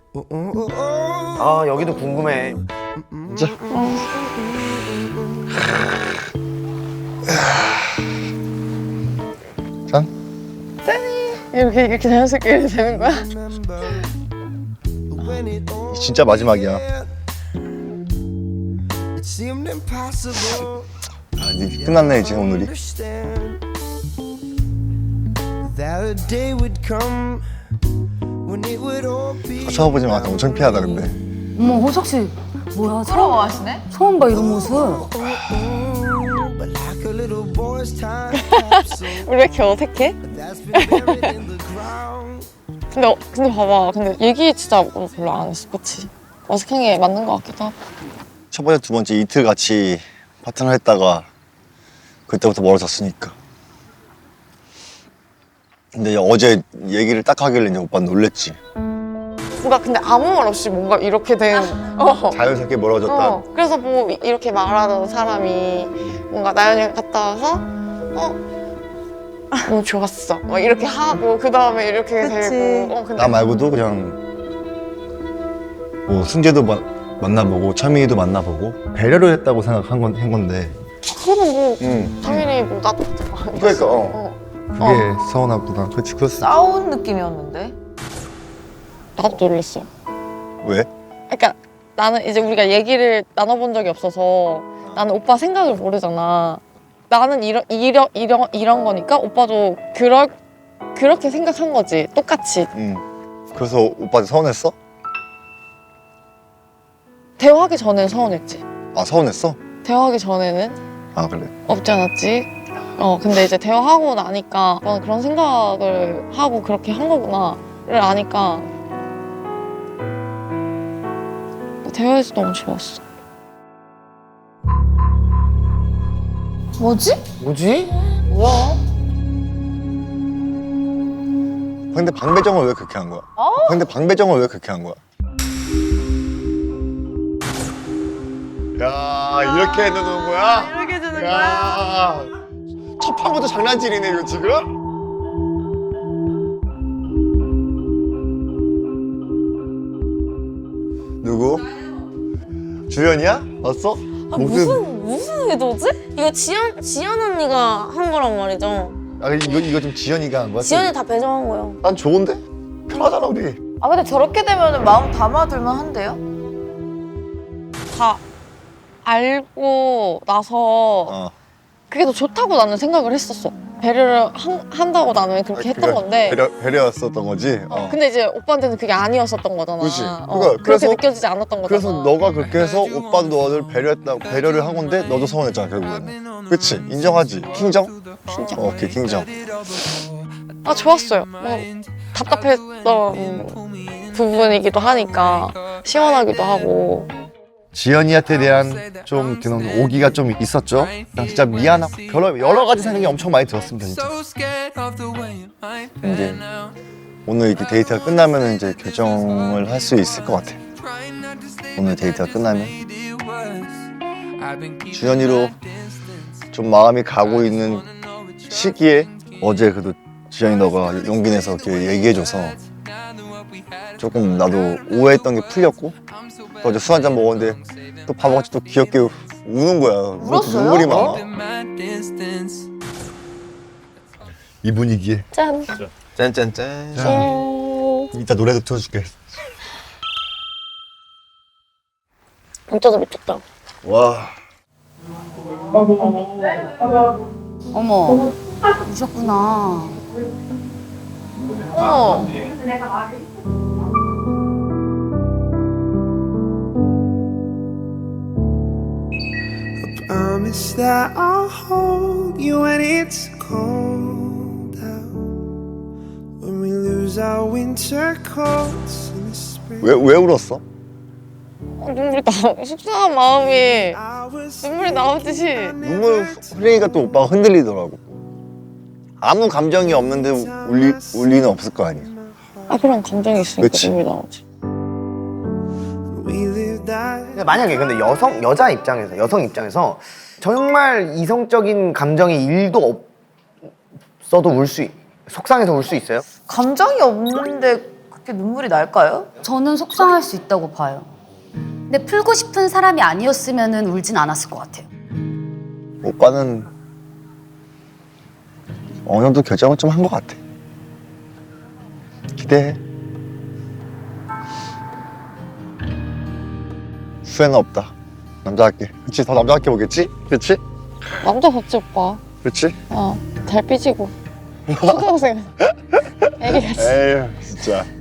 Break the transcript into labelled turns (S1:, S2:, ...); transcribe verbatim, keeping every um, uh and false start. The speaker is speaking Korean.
S1: 아 여기도 궁금해.
S2: 진짜? 짠?
S3: 이렇게 이렇게 자연스럽게 되는 거야?
S2: 진짜 마지막이야. 아, 이제 끝났네 이제 오늘이. 쳐다보지 마. 엄청 피하다 근데.
S4: 어머 호석 씨 뭐야 처음
S3: 부러워하시네?
S4: 처음 봐 이런 모습.
S3: 우리 왜 이렇게 어색해? 근데 어, 근데 봐봐. 근데 얘기 진짜 별로 안 했어, 그치? 어색한 게 맞는 것 같기도 하고.
S2: 첫 번째 두 번째 이틀 같이 파트너 했다가 그때부터 멀어졌으니까. 근데 어제 얘기를 딱 하길래 이제 오빠 놀랬지.
S3: 뭔가 근데 아무 말 없이 뭔가 이렇게 된. 어.
S2: 자연스럽게 멀어졌다.
S3: 어. 그래서 뭐 이렇게 말하던 사람이 뭔가 나연이가 갔다 와서 어. 너무 좋았어. 막 이렇게 하고 그 다음에 이렇게
S4: 그치.
S3: 되고. 어, 근데
S2: 나 말고도 그냥 뭐 승재도 마, 만나보고 차민이도 만나보고 배려를 했다고 생각한 건, 한 건데
S3: 그거는 뭐
S2: 응.
S3: 당연히 뭐 나도
S2: 그러니까 어.
S3: 어.
S2: 그게
S3: 어.
S2: 서운하구나. 그렇지 그랬어.
S4: 싸운 느낌이었는데.
S3: 나도 놀랬어.
S2: 왜?
S3: 그러니까 나는 이제 우리가 얘기를 나눠본 적이 없어서 나는 오빠 생각을 모르잖아. 나는 이런 이런 이런 이런 거니까 오빠도 그럴 그렇게 생각한 거지. 똑같이.
S2: 응. 그래서 오빠한테 서운했어?
S3: 대화하기 전에는 서운했지.
S2: 아 서운했어?
S3: 대화하기 전에는
S2: 아 그래.
S3: 없지 않았지. 어 근데 이제 대화하고 나니까 난 그런 생각을 하고 그렇게 한 거구나를 아니까 대화해서 너무 좋았어.
S4: 뭐지?
S1: 뭐지?
S3: 뭐야?
S2: 근데 방배정을 왜 그렇게 한 거야? 근데 방배정을 왜 그렇게 한 거야? 야 이렇게 해놓는 거야?
S3: 이렇게 해주는
S2: 야 첫 판부터 장난질이네 이거 지금? 누구? 주연이야? 왔어?
S5: 아, 무슨 무슨 의도지? 이거 지연 지연 언니가 한 거란 말이죠.
S2: 아 이거 이거 좀 지연이가 한 거야?
S5: 지연이 다 배정한 거예요.
S2: 난 좋은데? 편하잖아 우리.
S4: 아 근데 저렇게 되면 마음 담아둘만 한데요?
S3: 다 알고 나서
S2: 어.
S3: 그게 더 좋다고 나는 생각을 했었어. 배려를 한, 한다고 나는 그렇게 했던
S2: 그래,
S3: 건데
S2: 배려 배려였었던 거지. 어.
S3: 근데 이제 오빠한테는 그게 아니었었던 거잖아.
S2: 그치.
S3: 어,
S2: 그러니까
S3: 그렇게
S2: 그래서-
S3: 느껴지지 않았던 거잖아.
S2: 그래서 너가 그렇게 해서 오빠도 너를 배려했다고 배려를 한 건데 너도 서운했잖아 결국에는. 그치? 인정하지? 킹정?
S3: 진짜.
S2: 어, 오케이 킹정.
S3: 아 좋았어요. 뭐 답답했던 부분이기도 하니까 시원하기도 하고.
S2: 지연이한테 대한 좀 그런 오기가 좀 있었죠. 그냥 진짜 미안하고 여러, 여러 가지 생각이 엄청 많이 들었습니다 진짜. 근데 오늘 이렇게 데이트가 끝나면 이제 결정을 할 수 있을 것 같아. 오늘 데이트가 끝나면 주연이로 좀 마음이 가고 있는 시기에 어제 그래도 주연이 너가 용기 내서 이렇게 얘기해줘서 조금 나도 오해했던 게 풀렸고 또 어제 술 한잔 먹었는데 또 밥먹었지 또 귀엽게 우는 거야.
S4: 울었어요?
S2: 눈물이 많아. 이 분위기에
S3: 짠.
S1: 짠짠짠.
S3: 짠.
S2: 이따 노래도 틀어줄게.
S3: 진짜 미쳤다.
S2: 와.
S4: 어머 우셨구나.
S3: 어.
S6: Promise that I'll hold you when it's cold out. When we lose our winter coats in the spring.
S2: 왜, 왜 울었어?
S3: 어, 눈물이 나. 속상한 마음이
S6: I was
S3: 눈물이 나오듯이.
S2: 눈물 흘리니까 또 오빠가 흔들리더라고. 아무 감정이 없는데 울리, 울 리는 없을 거 아니야.
S3: 아 그런 감정이 있으니까
S2: 그치.
S3: 눈물이 나오지.
S6: we lived that.
S1: 근데 만약에 근데 여성 여자 입장에서 여성 입장에서 정말 이성적인 감정이 일도 없어도 울 수 속상해서 울 수 있어요?
S4: 감정이 없는데 그렇게 눈물이 날까요?
S7: 저는 속상할 수 있다고 봐요. 근데 풀고 싶은 사람이 아니었으면 울진 않았을 것 같아요.
S2: 오빠는 어느 정도 결정을 좀 한 것 같아. 기대해. 후회는 없다. 남자답게. 그치? 더 남자답게 보겠지? 그치?
S3: 남자답지 오빠.
S2: 그치?
S3: 어, 잘 삐지고 초등학생 애기같이.
S2: 에휴 진짜.